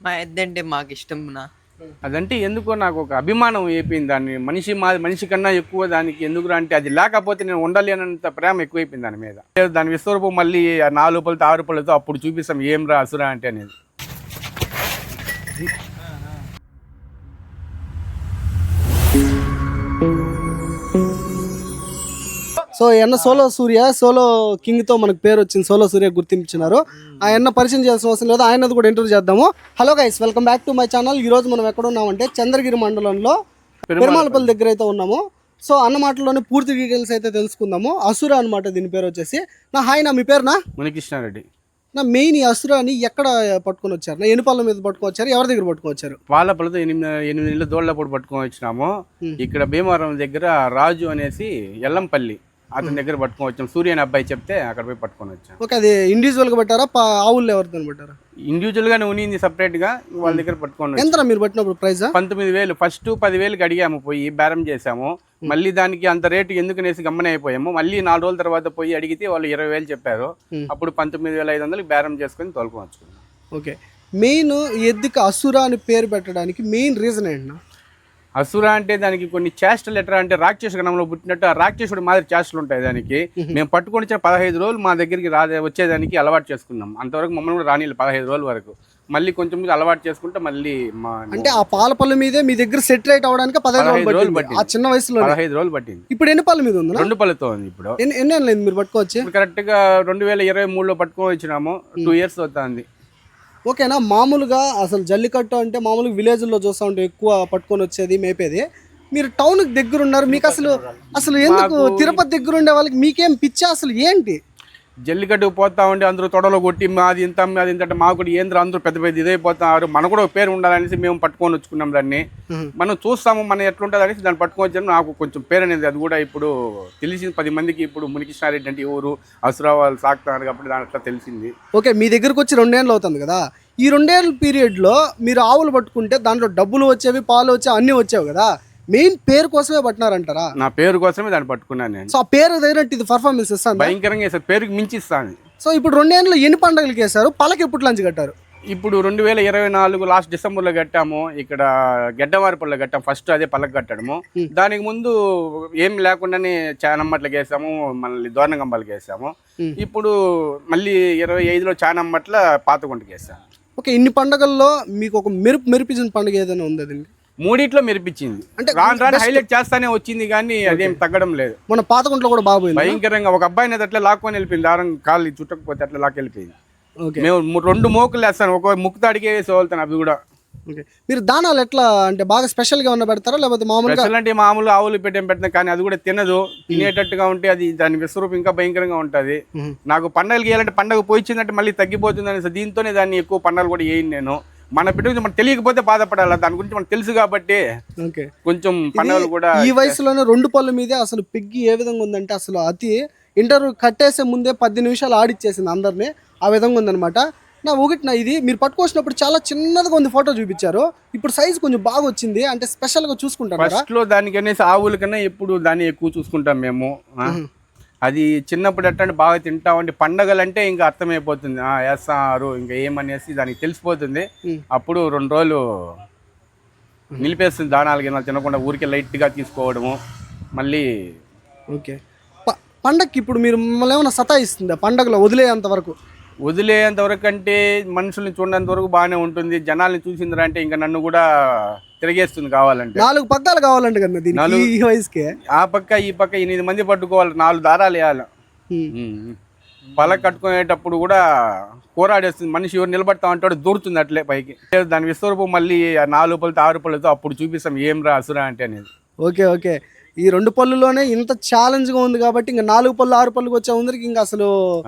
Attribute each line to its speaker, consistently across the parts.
Speaker 1: మా ఎద్దంటే మాకు ఇష్టంనా.
Speaker 2: అదంటే ఎందుకో నాకు ఒక అభిమానం అయిపోయింది. దాన్ని మనిషి కన్నా ఎక్కువ దానికి ఎందుకు అంటే అది లేకపోతే నేను ఉండలేనంత ప్రేమ ఎక్కువైపోయింది దాని మీద. దాని విశ్వరూపం మళ్ళీ 4 రూపాయలతో 6 రూపాయలతో అప్పుడు చూపిస్తాం ఏం రా అసురా అంటే అనేది.
Speaker 3: సో ఎన్న సోలో కింగ్ తో మనకు పేరు వచ్చింది, సోలో సూర్య గుర్తించినారు. ఆయన పరిచయం చేయాల్సిన అవసరం లేదు, ఆయనది కూడా ఇంటర్వ్యూ చేద్దాము. Hello guys, welcome back to my channel. ఈ రోజు మనం ఎక్కడ ఉన్నామంటే చంద్రగిరి మండలంలో పెరుమాళపల్లి దగ్గర అయితే ఉన్నాము. సో అన్న మాటల్లోనే పూర్తి డీటెయిల్స్ అయితే తెలుసుకుందాము. అసుర అనమాట దీని పేరు వచ్చేసి. హాయ్ నా, మీ పేరునా?
Speaker 2: మునికృష్ణారెడ్డి.
Speaker 3: నా మెయిన్ ఈ అసురాని ఎక్కడ పట్టుకొని వచ్చారు? నా ఎన్ని పళ్ళ మీద పట్టుకొని వచ్చారు, ఎవరి దగ్గర పట్టుకొని వచ్చారు?
Speaker 2: పాలపల్లతో 8 నెలల దోళ్ళప్పుడు పట్టుకొని వచ్చినాము. ఇక్కడ భీమవరం దగ్గర రాజు అనేసి ఎల్లంపల్లి అతని దగ్గర పట్టుకొని వచ్చాం. సూర్య అనే అబ్బాయి చెప్తే అక్కడ పోయి పట్టుకొని వచ్చాం.
Speaker 3: ఓకే, అది ఇండివిజువల్ గా పెట్టారా, ఆవుల్లో ఎవరితో పెట్టారా?
Speaker 2: ఇండివిజువల్ గానే ఉనింది సపరేట్ గా, వాళ్ళ దగ్గర పట్టుకొని.
Speaker 3: ఎంత మీరు పట్టినప్పుడు ప్రైస్?
Speaker 2: 19,000. ఫస్ట్ 10,000కి అడిగాము, పోయి బేరం చేసాము. మళ్ళీ దానికి అంత రేటు ఎందుకనేసి గమ్మన అయిపోయాము. మళ్ళీ 4 రోజుల తర్వాత పోయి అడిగితే వాళ్ళు 20,000 చెప్పారు. అప్పుడు 19,500కి బేరం చేసుకుని తోలుకొని వచ్చుకున్నాం.
Speaker 3: ఓకే, మెయిన్ ఎద్దుకి అసుర అని పేరు పెట్టడానికి మెయిన్ రీజన్ ఏంటన్నా?
Speaker 2: అసుర అంటే దానికి కొన్ని చేష్టలు ఎట్లా అంటే రాక్షస గణంలో పుట్టినట్టు ఆ రాక్షసుడు మాదిరి చేష్టలు ఉంటాయి దానికి. మేము పట్టుకొని వచ్చిన 15 రోజులు మా దగ్గరికి వచ్చేదానికి అలవాటు చేసుకున్నాం. అంతవరకు మమ్మల్ని కూడా రానిళ్ళు 15 రోజుల వరకు. మళ్ళీ కొంచెం అలవాటు చేసుకుంటే మళ్ళీ
Speaker 3: అంటే ఆ పాల పళ్ళు మీదే మీ దగ్గర సెట్ రైట్ అవడానికి 15 రోజులు పట్టింది. ఆ చిన్న వయసులో
Speaker 2: 15 రోజులు పట్టింది.
Speaker 3: ఇప్పుడు ఎన్ని పళ్ళు మీద ఉంది?
Speaker 2: 2 పళ్ళతో ఉంది. ఇప్పుడు
Speaker 3: ఎన్ని ఏళ్ళు మీరు పట్టుకోవచ్చు?
Speaker 2: కరెక్ట్ గా 2023లో పట్టుకొని వచ్చినాము. 2 years అవుతుంది.
Speaker 3: ఓకేనా. మామూలుగా అసలు జల్లికట్టు అంటే మామూలుగా విలేజ్లో చూస్తూ ఉంటే ఎక్కువ పట్టుకొని వచ్చేది మేపేది. మీరు టౌన్కి దగ్గర ఉన్నారు, మీకు అసలు ఎందుకు తిరుపతి దగ్గర ఉండే వాళ్ళకి మీకేం పిచ్చా అసలు ఏంటి?
Speaker 2: జల్లికట్టుకు పోతా ఉండి అందరూ తొడలో కొట్టి మాది ఇంత అంటే మాకు కూడా ఏంద్ర అందరూ పెద్ద పెద్ద ఇదైపోతున్నారు. మనకు కూడా పేరు ఉండాలనేసి మేము పట్టుకొని వచ్చుకున్నాం దాన్ని. మనం చూస్తాము మనం ఎట్లుంటుంది అనేసి దాన్ని పట్టుకొని వచ్చాము. నాకు కొంచెం పేరు అనేది అది కూడా ఇప్పుడు తెలిసింది 10 మందికి. ఇప్పుడు మునికృష్ణారెడ్డి అంటే ఎవరు, అసురా వాళ్ళు సాగుతున్నారు కాబట్టి దాని అట్లా తెలిసింది.
Speaker 3: ఓకే, మీ దగ్గరకు వచ్చి 2 ఏళ్ళు అవుతుంది కదా. ఈ 2 ఏళ్ళ పీరియడ్లో మీరు ఆవులు పట్టుకుంటే దాంట్లో డబ్బులు వచ్చేవి, పాలు వచ్చేవి, అన్నీ వచ్చేవి కదా. మెయిన్ పేరు కోసమే పట్టినారంటారా?
Speaker 2: నా పేరు కోసమే దాన్ని పట్టుకున్నాను నేను.
Speaker 3: సో ఆ పేరు తగినట్టు ఇది పర్ఫార్మెన్స్ ఇస్తాను,
Speaker 2: భయంకరంగా వేసారు, పేరుకి మించి ఇస్తాను.
Speaker 3: సో ఇప్పుడు 2 ఏళ్ళు ఎన్ని పండుగలకి వేశారు? పళ్ళకి ఎప్పుడు లంచ్ కట్టారు?
Speaker 2: ఇప్పుడు 2024 లాస్ట్ డిసెంబర్లో కట్టాము. ఇక్కడ గెడ్డవారిపల్లిలో కట్టాము. ఫస్ట్ అదే పళ్ళకి కట్టడము. దానికి ముందు ఏం లేకుండానే చానమ్మట్లకి వేసాము, మళ్ళీ దోరణగంబాలకి వేసాము. ఇప్పుడు మళ్ళీ 25లో చానమ్మట్ల పాతగుంటకి వేసాము.
Speaker 3: ఓకే, ఇన్ని పండుగల్లో మీకు ఒక మెరిపించిన పండుగ ఏదైనా ఉంది? అది
Speaker 2: 3 మెరిపించింది. అంటే రాను హైలైట్ చేస్తానే వచ్చింది కానీ అదేం తగ్గడం లేదు.
Speaker 3: మన పాతగుంట్లో కూడా బాగుంది
Speaker 2: భయంకరంగా. ఒక అబ్బాయిని అట్లా లాక్కొని వెళ్ళిపోయింది, దారం కాళ్ళు చుట్టకపోతే అట్లా లాక్కెళ్ళిపోయింది. మేము 2 మోకులు వేస్తాను, ఒక ముక్కు అడిగే వేసి వెళ్తాను అవి కూడా.
Speaker 3: మీరు దానాలు ఎట్లా అంటే బాగా స్పెషల్ గా ఉన్న పెడతారా లేకపోతే మామూలుగా?
Speaker 2: అంటే మామూలు ఆవులు పెడతాం కానీ అది కూడా తినదు. తినేటట్టుగా ఉంటే అది దాని విశ్వరూపం ఇంకా భయంకరంగా ఉంటది. నాకు పండుగలు గేయాలంటే పండుగ పోయిందంటే మళ్ళీ తగ్గిపోతుంది అనేసి దీంతోనే దాన్ని ఎక్కువ పండుగలు కూడా వేయను నేను. మన బిడ్డ మనకు తెలియకపోతే బాధపడాలి, దాని గురించి మనకు తెలుసు కాబట్టి కొంచెం పండుగలు కూడా.
Speaker 3: ఈ వయసులోనే 2 పళ్ళ మీదే అసలు పెగ్గి ఏ విధంగా ఉందంటే అసలు ఇంటర్వ్యూ కట్టేసే ముందే 10 నిమిషాలు ఆడిచ్చేసింది అందరినీ. ఆ విధంగా ఉందనమాట. నా ఇది మీరు పట్టుకొచ్చినప్పుడు చాలా చిన్నదిగా ఉంది, ఫోటో చూపించారు. ఇప్పుడు సైజ్ కొంచెం బాగా వచ్చింది, అంటే స్పెషల్ గా చూసుకుంటారు.
Speaker 2: ఫస్ట్ లో దానికనేసి ఆవుల కన్నా ఎప్పుడు దాన్ని ఎక్కువ చూసుకుంటాం మేము. అది చిన్నప్పుడు ఎట్లా బాగా తింటామంటే పండగలు అంటే ఇంకా అర్థమైపోతుంది, వేస్తారు ఇంకా ఏమనేసి దానికి తెలిసిపోతుంది. అప్పుడు 2 రోజులు నిలిపేస్తుంది దానాలు గిన్నెలు తినకుండా, ఊరికే లైట్గా తీసుకోవడము మళ్ళీ.
Speaker 3: ఓకే, పండగకి ఇప్పుడు మీరు మిమ్మల్ని ఏమైనా సతాయిస్తుందా పండగలో వదిలేంత వరకు?
Speaker 2: అంటే మనుషుల్ని చూడనంత వరకు బాగానే ఉంటుంది. జనాల్ని చూసిందిరా అంటే ఇంకా నన్ను కూడా తిరిగేస్తుంది. కావాలంటే
Speaker 3: 4 పగ్గాలు కావాలంటే కదా దీనికి, ఈ వయసుకే.
Speaker 2: ఆ పక్క ఈ పక్క 8 మంది పట్టుకోవాలి, 4 దారాలు వేయాలి. పల కట్టుకునేటప్పుడు కూడా పోరాడేస్తుంది మనిషి. ఎవరు నిలబడతా ఉంటాడు, దూరుతుంది అట్లే పైకి. దాని విశ్వరూపం మళ్ళీ 4 రూపాయలతో 6 రూపాయలతో అప్పుడు చూపిస్తాం ఏం రా అసురా అంటే అనేది.
Speaker 3: ఓకే ఓకే, ఈ 2 పళ్ళులోనే ఇంత ఛాలెంజ్ గా ఉంది కాబట్టి ఇంకా 4 పళ్ళు 6 పళ్ళుకి వచ్చే ముందరికి ఇంకా అసలు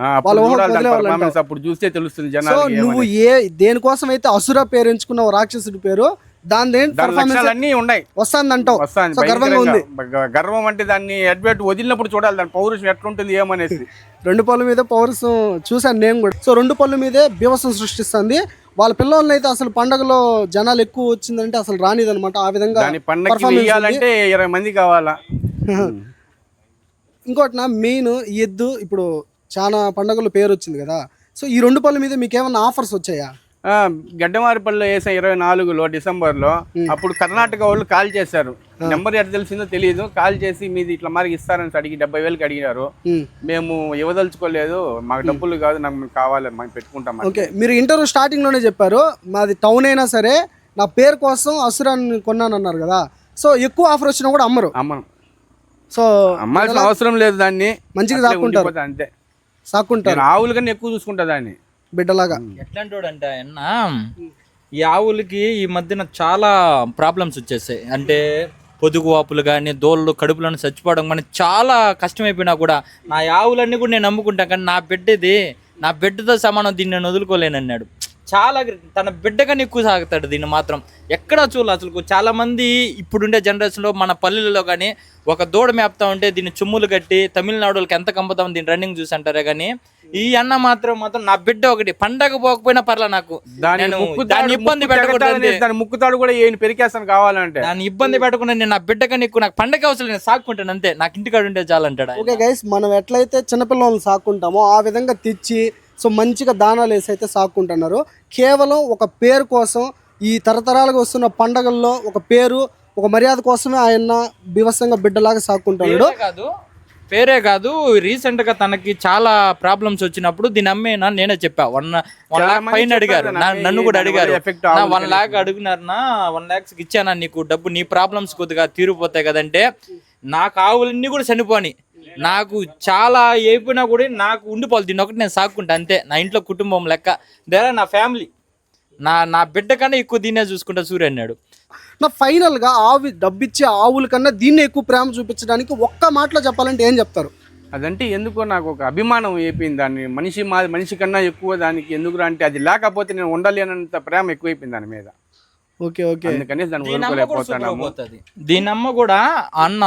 Speaker 2: అప్పుడు చూస్తే తెలుస్తుంది జనాలు.
Speaker 3: నువ్వు దేనికోసం అయితే అసుర పేరు ఎంచుకున్నావు, రాక్షసుడి పేరు, దాని
Speaker 2: అన్ని ఉన్నాయి
Speaker 3: వస్తుందంటావు.
Speaker 2: గర్వంగా ఉంది. గర్వం అంటే దాన్ని అడ్వేట్ వదిలినప్పుడు చూడాలి దాని పౌరుషం ఎట్లుంటుంది ఏమనేసి.
Speaker 3: 2 పళ్ళ మీద పౌరుషం చూసాను నేను కూడా. సో 2 పళ్ళ మీదే బీభత్సం సృష్టిస్తుంది. వాళ్ళ పిల్లల్ని అయితే అసలు పండగలో జనాలు ఎక్కువ వచ్చిందంటే అసలు రానిదనమాట. ఆ విధంగా
Speaker 2: పండగ 20 మంది కావాలా.
Speaker 3: ఇంకోటి మెయిన్ ఎద్దు ఇప్పుడు చాలా పండగలు పేరు వచ్చింది కదా. సో ఈ 2 పళ్ళ మీద మీకు ఏమైనా ఆఫర్స్ వచ్చాయా?
Speaker 2: గడ్డమారిపల్లిలో వేసాం 24లో డిసెంబర్లో. అప్పుడు కర్ణాటక వాళ్ళు కాల్ చేశారు. నెంబర్ ఎట్లా తెలిసిందో తెలియదు. కాల్ చేసి మీది ఇట్లా మరి ఇస్తారని అడిగి 70,000కి అడిగినారు. మేము ఇవ్వదలుచుకోలేదు, మాకు డబ్బులు కాదు, నాకు కావాలి, మేము పెట్టుకుంటాం.
Speaker 3: ఓకే, మీరు ఇంటర్వ్యూ స్టార్టింగ్ లోనే చెప్పారు మాది టౌన్ అయినా సరే నా పేరు కోసం అసురాన్ని కొన్నాను అన్నారు కదా. సో ఎక్కువ ఆఫర్ వచ్చినా కూడా అమ్మను. సో
Speaker 2: అమ్మాల్సిన అవసరం లేదు, దాన్ని
Speaker 3: మంచిగా సాక్కుంటారు,
Speaker 2: అంతే
Speaker 3: సాక్కుంటారు.
Speaker 2: ఆవుల కన్నా ఎక్కువ చూసుకుంటా దాన్ని
Speaker 3: బిడ్డలాగా.
Speaker 4: ఎట్లాంటి అంటే అన్న, ఈ ఆవులకి ఈ మధ్యన చాలా ప్రాబ్లమ్స్ వచ్చేసాయి. అంటే పొదుగు వాపులు కానీ దోళ్ళు కడుపులను చచ్చిపోవడం కానీ చాలా కష్టమైపోయినా కూడా నా ఆవులన్నీ కూడా నేను నమ్ముకుంటాను. కానీ నా బిడ్డది, నా బిడ్డతో సమానం, దీన్ని నేను వదులుకోలేనన్నాడు. చాలా తన బిడ్డగానే ఎక్కువ సాగుతాడు దీన్ని మాత్రం. ఎక్కడా చూడాలి అసలు. చాలా మంది ఇప్పుడుండే జనరేషన్లో మన పల్లెలలో కానీ ఒక దూడ మేపుతా ఉంటే దీన్ని చుమ్ములు కట్టి తమిళనాడు వాళ్ళకి ఎంత కంపుతాం దీన్ని రన్నింగ్ చూసి అంటారే. కానీ ఈ అన్న మాత్రం నా బిడ్డ ఒకటి పండగ పోకపోయినా పర్లా, నాకు దాన్ని ఇబ్బంది పెట్టకూడదు.
Speaker 2: దాని ముక్కుతాడు కూడా ఏం పెరికేస్తాను కావాలంటే
Speaker 4: దాన్ని ఇబ్బంది పెట్టకుండా నేను నా బిడ్డ కన్నా ఎక్కువ నాకు పండగ అవసరం నేను సాక్కుంటాను అంతే, నాకు ఇంటికాడ ఉంటే చాలంటాడు.
Speaker 3: ఓకే గైస్, మనం ఎట్లయితే చిన్నపిల్లలను సాక్కుంటామో ఆ విధంగా తెచ్చి సో మంచిగా దానాలు వేసి అయితే సాక్కుంటున్నారు. కేవలం ఒక పేరు కోసం, ఈ తరతరాలుగా వస్తున్న పండగల్లో ఒక పేరు, ఒక మర్యాద కోసమే ఆయన బీభత్సంగా బిడ్డలాగా సాక్కుంటున్నాడు.
Speaker 4: పేరే కాదు, రీసెంట్ గా తనకి చాలా ప్రాబ్లమ్స్ వచ్చినప్పుడు దీని అమ్మేనా నేనే చెప్పా. 1 lakh పైన అడిగారు, నన్ను కూడా అడిగారు. 1 lakh అడుగునారనా, 1 lakhs ఇచ్చానా నీకు డబ్బు, నీ ప్రాబ్లమ్స్ కొద్దిగా తీరిపోతాయి కదంటే. నాకు ఆవులన్నీ కూడా చనిపోని, నాకు చాలా అయిపోయినా కూడా నాకు ఉండిపోవాలి, దీన్ని ఒకటి నేను సాక్కుంటా అంతే. నా ఇంట్లో కుటుంబం లెక్క, దేరా నా ఫ్యామిలీ, నా బిడ్డ కన్నా ఎక్కువ దీన్నే చూసుకుంటా సూర్య అన్నాడు.
Speaker 3: నా ఫైనల్గా డబ్బిచ్చే ఆవుల కన్నా దీన్ని ఎక్కువ ప్రేమ చూపించడానికి ఒక్క మాటలో చెప్పాలంటే ఏం చెప్తారు?
Speaker 2: అదంటే ఎందుకో నాకు ఒక అభిమానం అయిపోయింది దాన్ని. మనిషి కన్నా ఎక్కువ దానికి ఎందుకు అంటే, అది లేకపోతే నేను ఉండలేనంత ప్రేమ ఎక్కువైపోయింది దాని మీద.
Speaker 3: ఓకే ఓకే,
Speaker 2: అందుకని దాన్ని వదులుకోలేకపోతున్నాము.
Speaker 4: దీని అమ్మ కూడా అన్న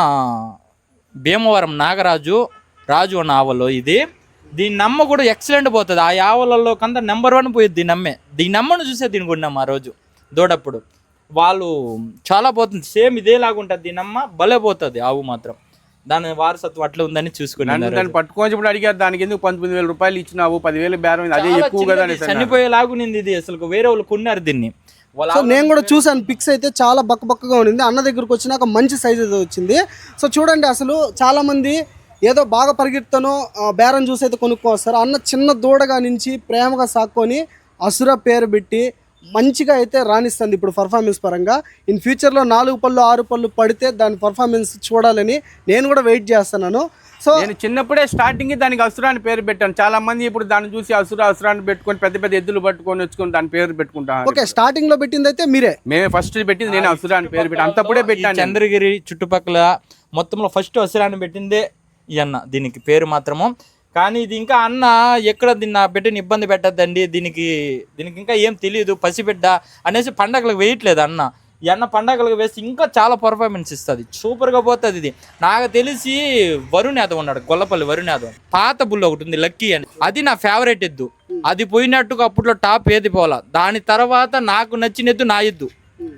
Speaker 4: భీమవరం నాగరాజు అన్న ఆవలో ఇది. దీని అమ్మ కూడా ఎక్సలెంట్ పోతుంది. ఆ ఆవలలో కంతా నెంబర్ 1 పోయింది దీని అమ్మే. దీని అమ్మను చూసే దీని కొన్నాం ఆ రోజు దూడప్పుడు. వాళ్ళు చాలా పోతుంది, సేమ్ ఇదేలాగా ఉంటుంది దీని అమ్మ, భలే పోతుంది ఆవు మాత్రం. దాని వారసత్వం అట్లా ఉందని చూసుకున్నాను.
Speaker 2: దాన్ని పట్టుకొని అడిగారు, దానికి ఎందుకు 19,000 రూపాయలు ఇచ్చినావు, 10,000 బేరం, అదే ఎక్కువ కదా.
Speaker 4: చనిపోయేలాగునింది ఇది అసలు. వేరే వాళ్ళు కొన్నారు దీన్ని.
Speaker 3: సో నేను కూడా చూసాను, పిక్స్ అయితే చాలా బక్కగా ఉండింది. అన్న దగ్గరకు వచ్చినాక మంచి సైజ్ అయితే వచ్చింది. సో చూడండి, అసలు చాలా మంది ఏదో బాగా పరిగెత్తానో బేరం చూసి అయితే కొనుక్కొస్తారు. అన్న చిన్న దూడగా నుంచి ప్రేమగా సాక్కొని అసుర పేరు పెట్టి మంచిగా అయితే రాణిస్తుంది ఇప్పుడు పర్ఫార్మెన్స్ పరంగా. ఇన్ ఫ్యూచర్లో 4 పళ్ళు 6 పళ్ళు పడితే దాని పర్ఫార్మెన్స్ చూడాలని నేను కూడా వెయిట్ చేస్తున్నాను. సో
Speaker 2: నేను చిన్నప్పుడే స్టార్టింగ్ దానికి అసురాన్ని పేరు పెట్టాను. చాలా మంది ఇప్పుడు దాన్ని చూసి అసురాన్ని పెట్టుకొని పెద్ద పెద్ద ఎద్దులు పట్టుకొని వచ్చుకొని దాని పేరు పెట్టుకుంటాను.
Speaker 3: ఓకే, స్టార్టింగ్ లో పెట్టింది అయితే మీరే?
Speaker 2: మేమే ఫస్ట్ పెట్టింది, నేను అసురాన్ని పేరు పెట్టాను. అంతప్పుడే పెట్టాను.
Speaker 4: చంద్రగిరి చుట్టుపక్కల మొత్తంలో ఫస్ట్ అసురాన్ని పెట్టిందే ఈ అన్న దీనికి పేరు మాత్రము. కానీ ఇది ఇంకా అన్న ఎక్కడ దీన్ని బిడ్డని ఇబ్బంది పెట్టద్దండి, దీనికి ఇంకా ఏం తెలియదు, పసిబిడ్డ అనేసి పండగలకు వేయట్లేదు అన్న. ఈ అన్న పండగలకు వేసి ఇంకా చాలా పర్ఫార్మెన్స్ ఇస్తుంది, సూపర్గా పోతుంది ఇది. నాకు తెలిసి వరుణ్ యాదవ్ ఉన్నాడు, గొల్లపల్లి వరుణ్ యాదవ్, పాత బుల్ ఒకటి ఉంది లక్కీ అని, అది నా ఫేవరెట్ ఎద్దు. అది పోయినట్టుగా అప్పట్లో టాప్ ఏది పోలా. దాని తర్వాత నాకు నచ్చిన ఎద్దు నా ఎద్దు.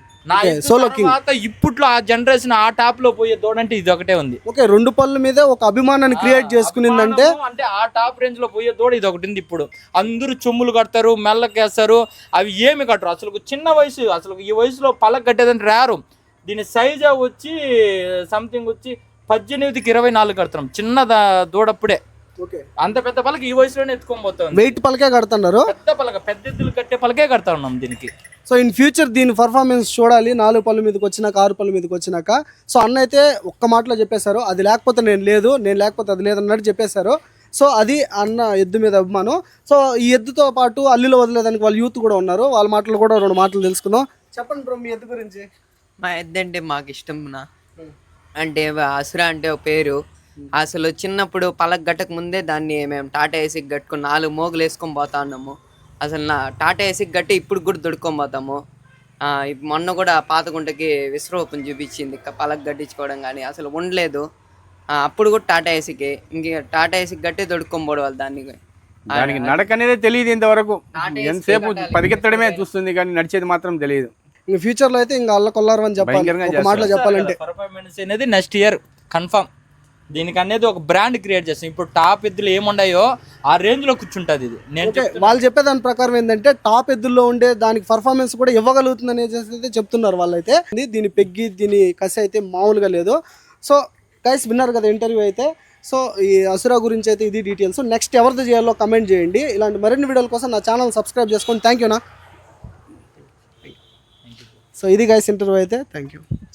Speaker 3: సోలో కింగ్
Speaker 4: ఇప్పట్లో ఆ జనరేషన్ ఆ టాప్ లో పోయే దూడంటే ఇది ఒకటే ఉంది.
Speaker 3: ఓకే, 2 పళ్ళ మీద ఒక అభిమానాన్ని క్రియేట్ చేసుకునిందంటే,
Speaker 4: అంటే ఆ టాప్ రేంజ్ లో పోయే దూడ ఇది ఒకటి ఉంది. ఇప్పుడు అందరూ చొమ్ములు కడతారు, మెల్లకేస్తారు, అవి ఏమి కట్టరు అసలు. చిన్న వయసు, అసలు ఈ వయసులో పలక కట్టేదని రారు. దీని సైజ్ వచ్చి సంథింగ్ వచ్చి 18కి 24 కడతాం చిన్న దూడప్పుడే. అంత పెద్ద పలక ఈ వయసులోనే ఎత్తుకొని పోతాం.
Speaker 3: వెయిట్ పలకే కడుతున్నారు,
Speaker 4: పెద్ద పలక, పెద్ద ఎద్దులు కట్టే పలకే కడతా ఉన్నాం దీనికి.
Speaker 3: సో ఇన్ ఫ్యూచర్ దీని పర్ఫార్మెన్స్ చూడాలి 4 పళ్ళ మీదకి వచ్చినాక, 6 పళ్ళ మీదకి వచ్చినాక. సో అన్న అయితే ఒక్క మాటలో చెప్పేశారు, అది లేకపోతే నేను లేదు, నేను లేకపోతే అది లేదన్నట్టు చెప్పేశారు. సో అది అన్న ఎద్దు మీద అభిమానం. సో ఈ ఎద్దుతో పాటు అల్లిలో వదిలేదానికి వాళ్ళ యూత్ కూడా ఉన్నారు, వాళ్ళ మాటలు కూడా 2 మాటలు తెలుసుకుందాం. చెప్పండి బ్రో మీ ఎద్దు గురించి.
Speaker 1: మా ఎద్దు అంటే మాకు ఇష్టం నా. అంటే అసురా అంటే ఒక పేరు. అసలు చిన్నప్పుడు పలక గట్టక ముందే దాన్ని మేము టాటా ఏసీకి కట్టుకుని 4 మోగులు వేసుకొని పోతా ఉన్నాము. అసలు నా టాటా ఏసీకి గట్టి ఇప్పుడు కూడా దొడుకొని పోతాము. మొన్న కూడా పాతగుంటకి విశ్వరూపం చూపించింది పలక గట్టించుకోవడం, కానీ అసలు ఉండలేదు. అప్పుడు కూడా టాటా ఏసీకి, ఇంక టాటా ఏసీకి గట్టి దొడుకొని పోవడం
Speaker 2: దానికి నడక అనేది తెలియదు ఇంతవరకు. ఎంతసేపు పరిగెత్తడమే చూస్తుంది కానీ నడిచేది మాత్రం తెలియదు.
Speaker 3: ఇంక ఫ్యూచర్ లో అయితే ఇంకా అల్ల కొల్లారు అని చెప్పాలి, ఒక మాటలో చెప్పాలంటే.
Speaker 4: పర్ఫార్మెన్స్ అనేది నెక్స్ట్ ఇయర్ కన్ఫర్మ్. దీనికి అనేది ఒక బ్రాండ్ క్రియేట్ చేస్తాం. ఇప్పుడు టాప్ ఎద్దులు ఏముండాయో ఆ రేంజ్ లో కూర్చుంటది ఇది. నేను
Speaker 3: వాళ్ళు చెప్పే దాని ప్రకారం ఏంటంటే టాప్ ఎద్దుల్లో ఉండే దానికి పర్ఫార్మెన్స్ కూడా ఇవ్వగలుగుతుంది అనేది అయితే చెప్తున్నారు వాళ్ళైతే. దీని పెగ్గి దీని కసి అయితే మామూలుగా లేదు. సో గైస్ విన్నారు కదా ఇంటర్వ్యూ అయితే. సో ఈ అసురా గురించి అయితే ఇది డీటెయిల్స్. నెక్స్ట్ ఎవరిది చేయాలో కమెంట్ చేయండి. ఇలాంటి మరిన్ని వీడియోల కోసం నా ఛానల్ సబ్స్క్రైబ్ చేసుకోండి. థ్యాంక్ యూనా. సో ఇది గైస్ ఇంటర్వ్యూ అయితే. Thank you.